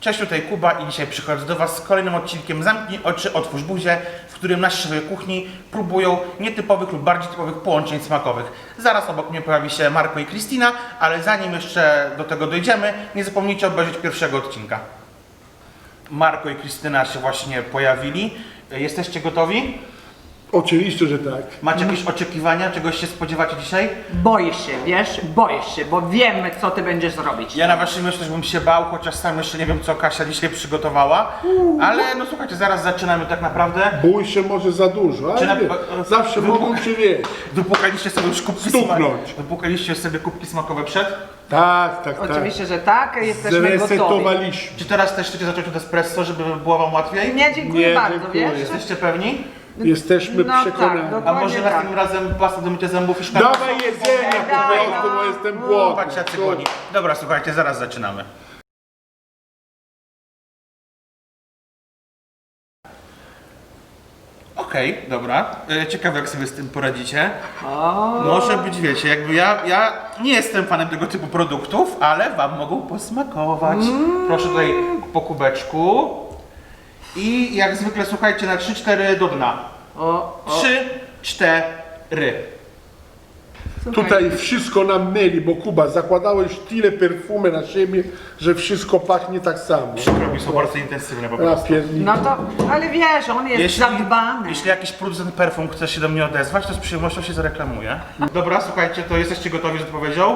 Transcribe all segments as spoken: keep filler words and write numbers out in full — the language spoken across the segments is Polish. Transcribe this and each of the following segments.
Cześć, tutaj Kuba i dzisiaj przychodzę do Was z kolejnym odcinkiem Zamknij oczy, otwórz buzię, w którym nasi szefowie kuchni próbują nietypowych lub bardziej typowych połączeń smakowych. Zaraz obok mnie pojawi się Marko i Krystyna, ale zanim jeszcze do tego dojdziemy, nie zapomnijcie obejrzeć pierwszego odcinka. Marko i Krystyna się właśnie pojawili. Jesteście gotowi? Oczywiście, że tak. Macie jakieś oczekiwania? Czegoś się spodziewacie dzisiaj? Boisz się, wiesz? Boisz się, bo wiemy, co ty będziesz robić. Ja na waszym miejscu bym się bał, chociaż sam jeszcze nie wiem, co Kasia dzisiaj przygotowała. Ale no słuchajcie, zaraz zaczynamy tak naprawdę. Bój się może za dużo, ale Czy na- wie, zawsze Wybuch- mogą się wieść. Wypłukaliście sobie już kubki Stuknąć. smakowe. Wypłukaliście sobie kubki smakowe przed? Tak, tak, tak. Oczywiście, że tak, jesteśmy gotowi. Zresetowaliśmy. Czy teraz też chcecie zacząć od espresso, żeby było wam łatwiej? Nie, dziękuję Nie, bardzo, dziękuję. wiesz? Jesteście pewni? Jesteśmy No przekonani. tak, A dokładnie może tak. następnym razem pasta do mycia zębów i szklanka? Dawaj jedzenia po Dawaj, prostu, no. bo jestem głodny. Patrzcie, jacy głodni. Dobra, słuchajcie, zaraz zaczynamy. Okej, dobra. E, Ciekawe, jak sobie z tym poradzicie. Może być, wiecie, jakby ja, ja nie jestem fanem tego typu produktów, ale wam mogą posmakować. Proszę tutaj po kubeczku. I jak zwykle, słuchajcie, na trzy cztery do dna. O, o. trzy cztery. Słuchaj, Tutaj wszystko nam myli, bo Kuba, zakładałeś tyle perfumy na siebie, że wszystko pachnie tak samo. Robi są bardzo intensywne po Ja prostu. pierdolę. No to, ale wiesz, on jest zadbany. jeśli jakiś producent perfum chce się do mnie odezwać, to z przyjemnością się zareklamuje. Dobra, słuchajcie, to jesteście gotowi z odpowiedzią?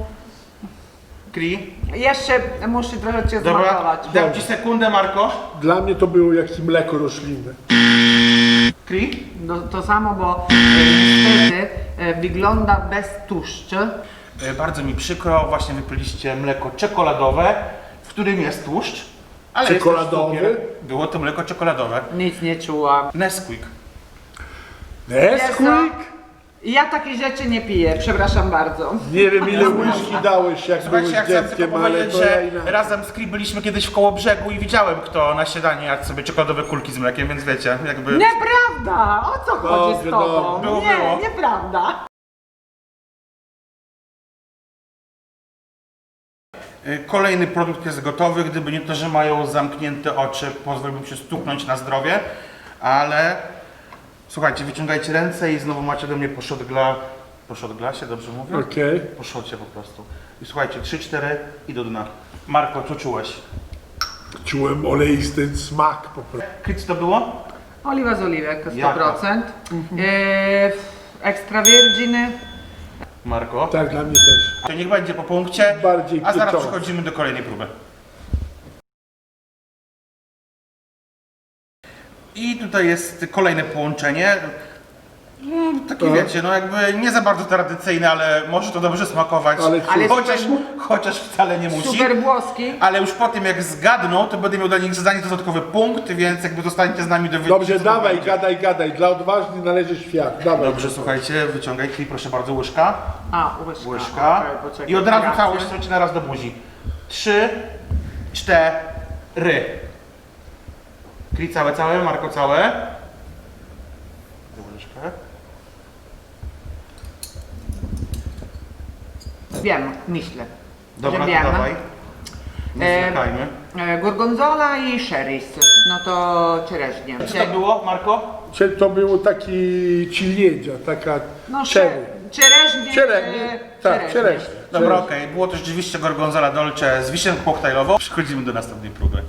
Kri? Jeszcze muszę trochę cię Dobra, smakować. dam ci sekundę, Marko. Dla mnie to było jak mleko roślinne. Kri? No, to samo, bo e, niestety e, wygląda bez tłuszczu. E, Bardzo mi przykro, właśnie wypiliście mleko czekoladowe, w którym jest tłuszcz. Ale jest też Czekoladowy? cukier. Było to mleko czekoladowe. Nic nie czułam. Nesquik. Nesquik? Ja takich rzeczy nie piję, przepraszam bardzo. Nie wiem ile łyżki dałeś jak Słuchajcie, byłeś ja chcę tylko dzieckiem, ale powiedzieć, to ja że inaczej. razem z Kri byliśmy kiedyś w Kołobrzegu i widziałem, kto na śniadanie jadł sobie czekoladowe kulki z mlekiem, więc wiecie, jakby... Nieprawda! O co chodzi Dobrze, z tobą? dobrze. Było, nie, było. nieprawda. Y, Kolejny produkt jest gotowy, gdyby nie to, że mają zamknięte oczy, pozwoliłbym się stuknąć na zdrowie, ale słuchajcie, wyciągajcie ręce i znowu macie do mnie po shot gla... Po shot glasie, dobrze mówię? Okej. Po shocie po prostu. I słuchajcie, trzy cztery i do dna. Marko, co czułeś? Czułem oleisty smak po prostu. Kri, co to było? Oliwa z oliwek, sto Jaka? procent. E, ekstra virginy. Marko? Tak, dla mnie też. To niech będzie po punkcie, Bardziej a zaraz pieczące. przechodzimy do kolejnej próby. I tutaj jest kolejne połączenie. Mm, Takie Tak. wiecie, no jakby nie za bardzo tradycyjne, ale może to dobrze smakować. Ale Ale chociaż, super- chociaż wcale nie musi. Super włoski. Ale już po tym jak zgadną, to będę miał dla nich zadanie dodatkowy punkt, więc jakby zostaniecie z nami do wyjścia. Dobrze, dawaj, gadaj, gadaj. Dla odważnych należy świat. Dawaj. Dobrze, słuchajcie, wyciągaj Kri, proszę bardzo, łyżka. A, łyżka. Łyżka. Okej, poczekaj, I od razu reakcję. całość strzelcie na raz do buzi. Trzy, cztery. Kri całe, całe, Marko całe. Łyżkę. Wiem, myślę. Dobra, że to wiem. dawaj. Nie E, zwlekajmy. E, gorgonzola i sherry's. No to czereźnie. Co to było, Marko? Czyli to było taki ciliedzia, taka No, cherry. Czereźnie. Czereźnie, e, tak, czereźnie. Dobra, okej. Było to rzeczywiście gorgonzola dolce z wiśnią koktajlową. Przechodzimy do następnej próby.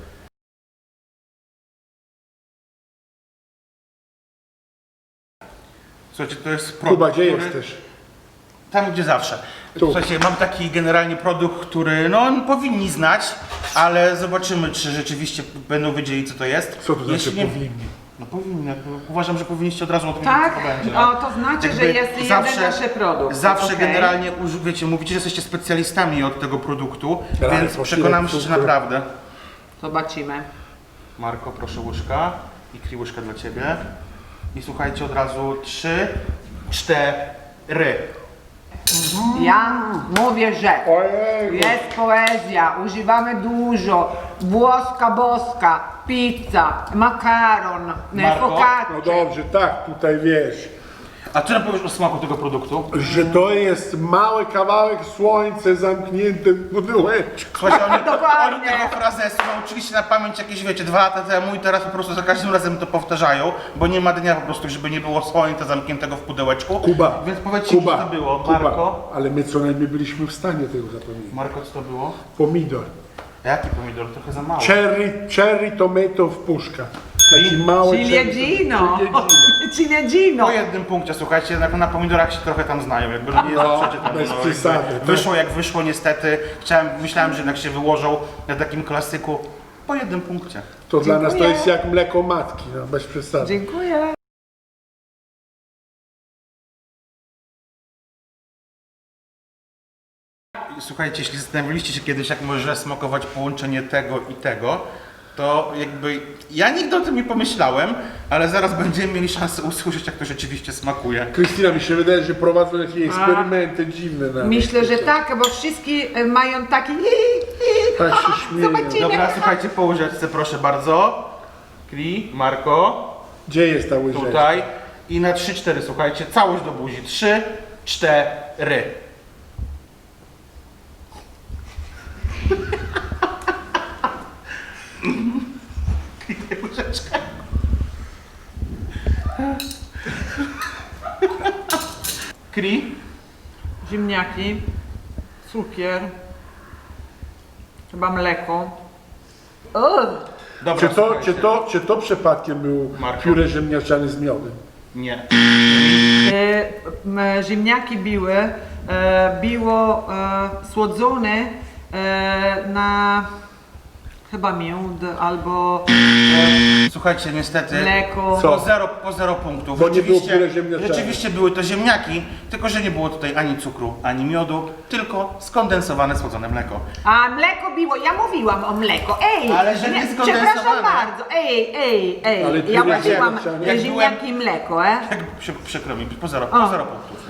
Słuchajcie, to jest produkt, Kuba, gdzie który... jesteś? Tam, gdzie zawsze. Tu. Słuchajcie, mam taki generalnie produkt, który no powinni znać, ale zobaczymy, czy rzeczywiście będą wiedzieli, co to jest. Co to znaczy Jeśli nie- powinni? No powinni. jakby Uważam, że powinniście od razu odpowiedzieć, Tak? co to będzie. O, to znaczy, Jakby że jest jeden nasz produkt. Zawsze Okej. generalnie, uży- wiecie, mówicie, że jesteście specjalistami od tego produktu, Ale więc po przekonamy się, chwilę że cukru. naprawdę. Zobaczymy. Marko, proszę łyżka i Kri łyżka dla Ciebie. I słuchajcie, od razu trzy, cztery. Ja mówię, że Ojej. jest poezja, używamy dużo, włoska boska, pizza, makaron, Marko? focaccia. No dobrze, tak, tutaj wiesz. A co nam powiesz o smaku tego produktu? Że to jest mały kawałek słońca zamknięty w pudełeczku. Słuchajcie, oni, Dokładnie. oni tego frazesu nauczyli się na pamięć jakieś, wiecie, dwa lata temu i teraz po prostu za każdym razem to powtarzają, bo nie ma dnia po prostu, żeby nie było słońca zamkniętego w pudełeczku. Kuba, Więc powiedzcie mi, Kuba, co to było, Kuba, Marko? ale my co najmniej byliśmy w stanie tego zapomnieć. Marko, co to było? Pomidor. A jaki pomidor? Trochę za mało. Cherry, cherry tomato w puszka. Taki mały Ciliegino! Ciliegino. Ciliegino! Po jednym punkcie, słuchajcie, na, na pomidorach się trochę tam znają, jakby no nie No, zawsze tam bez no, przesady, jakby tak. wyszło jak wyszło niestety. Chciałem, myślałem, że jednak się wyłożą na takim klasyku. Po jednym punkcie. To dla nas to Dziękuję. jest jak mleko matki, no, bez przesady. Dziękuję. Słuchajcie, jeśli zastanawialiście się kiedyś, jak może smakować połączenie tego i tego, to jakby ja nigdy o tym nie pomyślałem, ale zaraz będziemy mieli szansę usłyszeć, jak to rzeczywiście smakuje. Krystyna, mi się wydaje, że prowadzą jakieś eksperymenty dziwne nawet. Myślę, że tak, bo wszyscy e, mają taki... Tak się śmieją. Zobaczymy. Dobra, słuchajcie, po łyżeczce proszę bardzo. Kri, Marko, Gdzie jest ta łyżeczka? tutaj. I na trzy cztery, słuchajcie, całość do buzi. trzy cztery. Kri, łyżeczkę. Kri. Ziemniaki, cukier, chyba mleko. Ugh. Dobra, Czy to, słuchajcie. czy, to, czy to przypadkiem był Marko? pióre ziemniaczane z miodem? Nie. E, m, ziemniaki były, e, było e, słodzone e, na chyba miód albo Słuchajcie, niestety. mleko. Co? Po zero, po zero punktów. Bo nie było Rzeczywiście- pióre ziemniaczane. Rzeczywiście były to ziemniaki, tylko że nie było tutaj ani cukru, ani miodu, tylko skondensowane, słodzone mleko. A mleko było, ja mówiłam o mleko, ej! Ale że nie skondensowane. Przepraszam bardzo, ej, ej, ej. Ale Ja pióre mówiłam ziemniaczane. Jak ziemniaki i mleko, e? Jak przy, przykro mi, po zero, O. po zero punktów.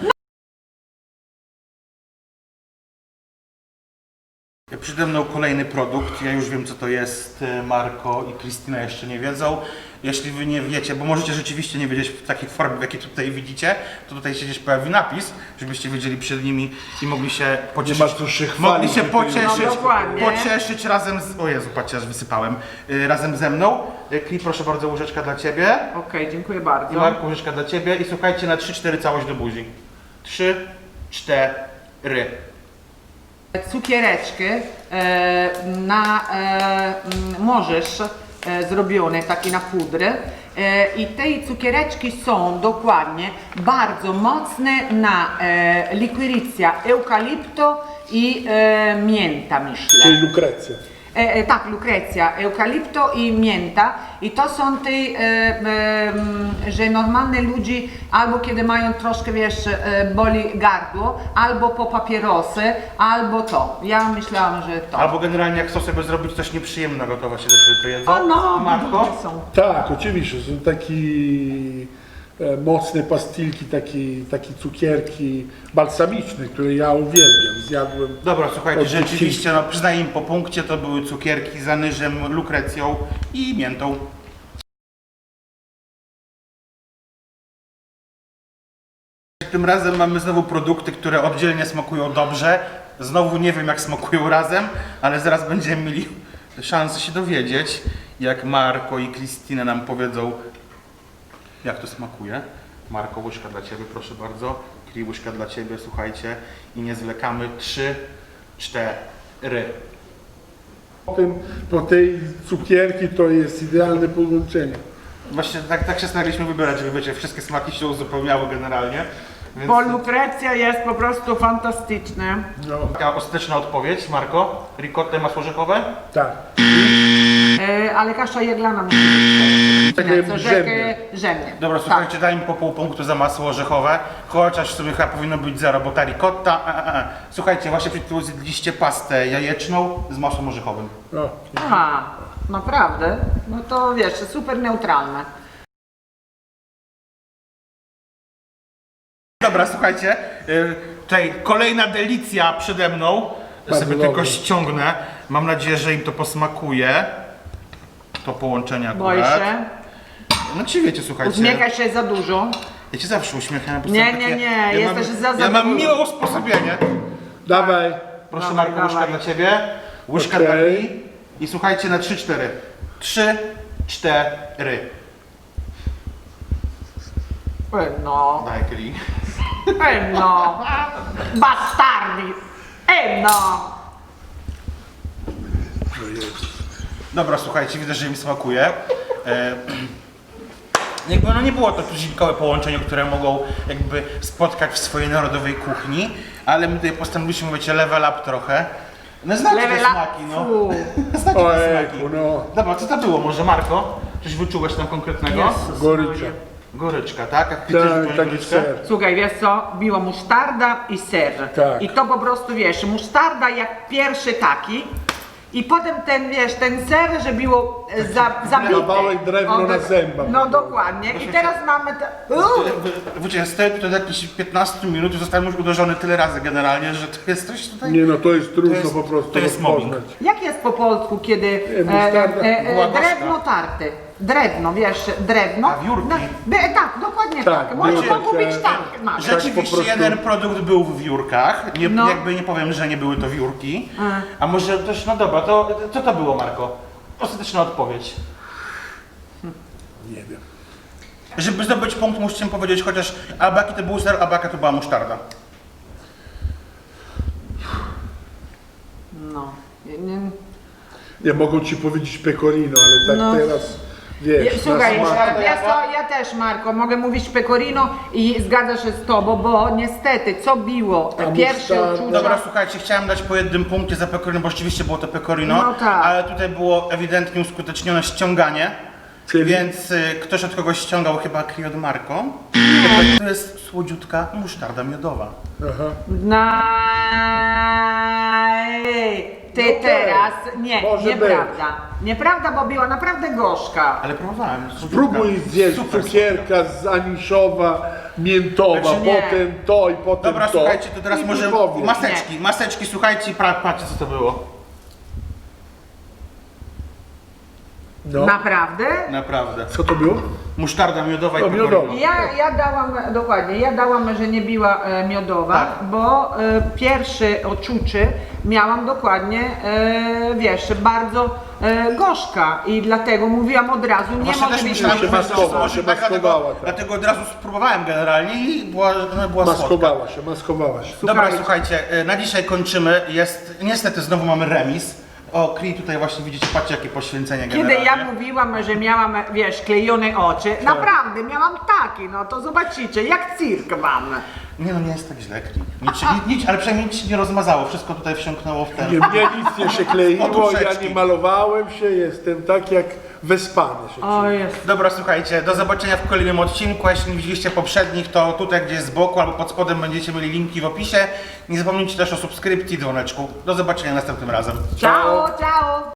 Przede mną kolejny produkt, ja już wiem co to jest, e, Marko i Krystyna jeszcze nie wiedzą. Jeśli wy nie wiecie, bo możecie rzeczywiście nie wiedzieć w takiej formie, w jakiej tutaj widzicie, to tutaj się gdzieś pojawi napis, żebyście wiedzieli przed nimi i mogli się pocieszyć. ma co się chwalić, mogli się że to jest- pocieszyć, No, dokładnie. pocieszyć razem z... O Jezu, patrzcie, aż wysypałem. Y, razem ze mną. Y, Kli, proszę bardzo, łyżeczka dla Ciebie. Okej, dziękuję I bardzo. Marku, łyżeczka dla Ciebie. I słuchajcie, na trzy cztery całość do buzi. trzy cztery. Cukiereczki e, na, e, m, możesz e, zrobione takie na pudrę e, i te cukiereczki są dokładnie bardzo mocne na e, likwirycja eukalipto i e, mięta, myślę. Czyli lukrecja. E, e, tak, lukrecja, eukalipto i mięta i to są te, e, e, m, że normalne ludzie albo kiedy mają troszkę, wiesz, e, boli gardło, albo po papierosy, albo to. Ja myślałam, że to. Albo generalnie jak chcą sobie zrobić coś nieprzyjemnego, to właśnie też to jedzą. O no, Marko? dobre są. Tak, oczywiście, są takie e, mocne pastilki, takie, takie cukierki balsamiczne, które ja uwielbiam. Zjadłem. Dobra, słuchajcie, Od rzeczywiście, no przyznaję im po punkcie, to były cukierki z anyżem, lukrecją i miętą. Tym razem mamy znowu produkty, które oddzielnie smakują dobrze. Znowu nie wiem jak smakują razem, ale zaraz będziemy mieli szansę się dowiedzieć, jak Marko i Krystyna nam powiedzą, jak to smakuje. Marko, łyżka dla Ciebie, proszę bardzo. Kri, łyżka dla Ciebie, słuchajcie. I nie zwlekamy. Trzy, cztery. Po, tym, po tej cukierki to jest idealne połączenie. Właśnie tak, tak się staraliśmy wybierać, żeby wiecie, wszystkie smaki się uzupełniały generalnie. Więc Bo lukrecja jest po prostu fantastyczna. No, taka ostateczna odpowiedź, Marko. Ricotta, masło orzechowe? tak. E, ale kasza jaglana musi być. Takie Co, rzemne. rzemnie. Dobra, Tak. słuchajcie, daj mi po pół punktu za masło orzechowe, chociaż w sumie chyba powinno być zero, bo ta ricotta... A, a, a. Słuchajcie, właśnie przed chwilą zjedliście pastę jajeczną z masłem orzechowym. No. Aha, naprawdę? No to wiesz, super neutralne. Dobra, słuchajcie, y, tutaj kolejna delicja przede mną. Bardzo Sobie dobre. tylko ściągnę. Mam nadzieję, że im to posmakuje. To połączenie akurat. Boję się. No czy wiecie, słuchajcie. Uśmiechaj się za dużo. Ja cię zawsze uśmiecham. bo Nie, są nie, takie- nie, ja jesteś mam, za Ja mam zadowolony. miłe usposobienie. Dawaj. Proszę Dawaj, Marku, łyżka dawaj. dla ciebie. Łyżka Okej. dla Kli. I słuchajcie na trzy cztery. trzy, cztery. E, no, Daj Kli. e, no. Bastardi. E, no. Dobra, słuchajcie, widzę, że im smakuje. E, jakby no nie było to tuzinkowe połączenie, które mogą jakby spotkać w swojej narodowej kuchni, ale my tutaj postanowiliśmy, wiecie, level up trochę. No znacie te Level up. smaki, no. Fu. Znacie te Ojejku, smaki. no. Dobra, co to było może, Marko? Coś wyczułeś tam konkretnego? Jezus Gorycza. Maria. Goryczka, tak? Jak ty też Tak, wyczułeś taki goryczkę? ser. Słuchaj, wiesz co, biło musztarda i ser. Tak. I to po prostu, wiesz, musztarda jak pierwszy taki. I potem ten, wiesz, ten ser, że było e, za, zabity. Kawałek drewna O, na do- zębach. No dokładnie. I teraz mamy te... Uuu. Wiecie, stoję tutaj do jakichś piętnaście minut i zostałem już uderzony tyle razy generalnie, że to jest coś tutaj... Nie no, to jest trudno jest- po prostu to jest mobbing. rozpoznać. Jak jest po polsku, kiedy E, musztarda. Była gorzka. drewno tarte? Drewno, wiesz, drewno. A wiórki? No, by, tak, dokładnie Tak, tak. Może wiórki, mogło być e, tak. nawet. że- Rzeczywiście po prostu- jeden produkt był w wiórkach, nie, No. jakby nie powiem, że nie były to wiórki. Mm. A może też, no dobra, to co to było, Marko? Ostateczna odpowiedź. Nie wiem. Żeby zdobyć punkt, musicie mi powiedzieć chociaż albo jaki to był ser, albo jaka to była musztarda. No. Nie- Nie mogą ci powiedzieć pecorino, ale tak No. teraz wiesz. Je- Słuchaj, na smak. ja, co, ja też, Marko, mogę mówić pecorino i zgadza się z tobą, bo niestety, co biło? Te A pierwsze musztarda? uczucia. Dobra, słuchajcie, chciałem dać po jednym punkcie za pecorino, bo rzeczywiście było to pecorino, No tak. ale tutaj było ewidentnie uskutecznione ściąganie, Czyli? więc y, ktoś od kogoś ściągał chyba Kri od Marko. To jest słodziutka musztarda miodowa. Aha. Naj. Ty No okej, teraz, nie, może nieprawda. Nieprawda, bo była naprawdę gorzka. Ale próbowałem. słodziutka. Spróbuj zjeść Super cukierka z aniszowa, miętowa, Znaczy nie. potem to i potem Dobra, to. słuchajcie, to teraz i może powiedz. maseczki, maseczki, słuchajcie, pra- patrzcie co to było. No. Naprawdę? Naprawdę. Co to było? Musztarda miodowa i To pecorino. miodowa. Ja, ja dałam, dokładnie, ja dałam, że nie była e, miodowa, Tak. bo e, pierwsze odczucie miałam dokładnie, e, wiesz, bardzo e, gorzka i dlatego mówiłam od razu, nie Właśnie może też być myślałem, się że miodowa. będzie maskowała, może się tak, dlatego, maskowała, tak. dlatego od razu spróbowałem generalnie i była, no, była słodka. Maskowała się, maskowała się. Dobra, słuchajcie, y, na dzisiaj kończymy. Jest, niestety znowu mamy remis. O, Kri tutaj właśnie widzicie, patrzcie jakie poświęcenie Kiedy generalnie. ja mówiłam, że miałam, wiesz, klejone oczy, naprawdę miałam takie, no to zobaczycie, jak cyrk mam. Nie no, nie jest tak źle, Kri. Nic, się- nic, nic, ale przynajmniej nic się nie rozmazało, wszystko tutaj wsiąknęło w ten... Nie, mnie nic nie się kleiło, ja Poduszeczki. nie malowałem się, jestem tak jak wyspany się O czuję. jest. Dobra, słuchajcie, do zobaczenia w kolejnym odcinku. A jeśli nie widzieliście poprzednich, to tutaj gdzieś z boku albo pod spodem będziecie mieli linki w opisie. Nie zapomnijcie też o subskrypcji i dzwoneczku. Do zobaczenia następnym razem. Ciao, ciao.